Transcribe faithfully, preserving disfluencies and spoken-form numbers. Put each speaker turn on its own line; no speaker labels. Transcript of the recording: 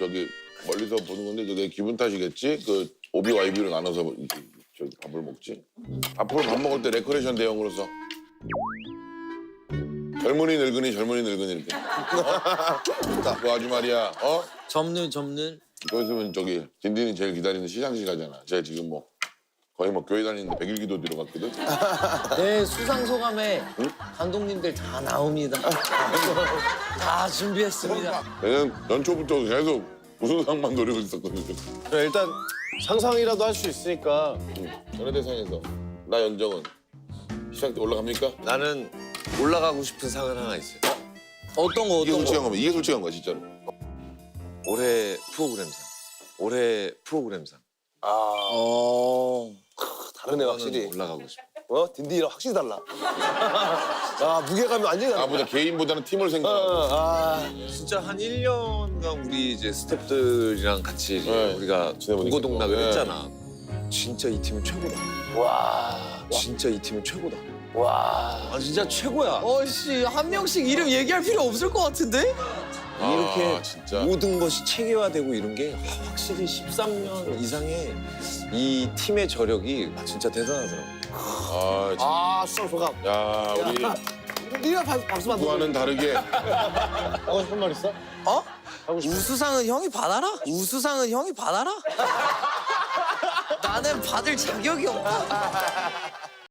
저기 멀리서 보는 건데 내 기분 탓이겠지? 그 오비 와이비로 나눠서 이렇게 저기 밥을 먹지. 앞으로 밥 먹을 때 레크레이션 대용으로서 젊은이 늙은이 젊은이 늙은이 이렇게. 어? 그 아주 말이야. 어?
접는 접는.
이거 있으면 저기 딘딘이 제일 기다리는 시상식 가잖아. 제가 지금 뭐 거의 뭐 교회 다니는데 백일 기도 뒤로 갔거든.
내 수상 소감에
응?
감독님들 다 나옵니다. 다 준비했습니다.
내년 연초부터 계속 우수상만 노리고 있었거든.
그래, 일단 상상이라도 할 수 있으니까.
연예대상에서 나 연정은 시상 때 올라갑니까?
나는 올라가고 싶은 상은 하나 있어요.
어떤 거
이게
어떤
솔직한
거?
거면 이게 솔직한 거야 진짜로.
올해 프로그램상. 올해 프로그램상.
어.
다르네, 확실히.
올라가고 싶어.
어? 딘딘이랑 확실히 달라. 아, 무게감이 완전히 다르다.
나보다 개인보다는 팀을
어,
생각하고.
아,
진짜 한 일 년간 우리 이제 스태프들이랑 같이 이제
네,
우리가
지내보니까
동고동락을
또, 네.
했잖아. 진짜 이 팀은 최고다.
와,
진짜 이 팀은 최고다.
와.
아 진짜 최고야.
어씨 한 명씩 이름 얘기할 필요 없을 것 같은데?
이렇게
아, 진짜.
모든 것이 체계화되고 이런 게 확실히 십삼 년 이상의 이 팀의 저력이 진짜 대단하더라고.
아, 진짜.
아, 수상 소감.
야 우리
네가 박- 박수 받는
누구와는 다르게
하고 싶은 말 있어?
어?
하고 싶은
우수상은 형이 받아라? 우수상은 형이 받아라? 나는 받을 자격이 없다.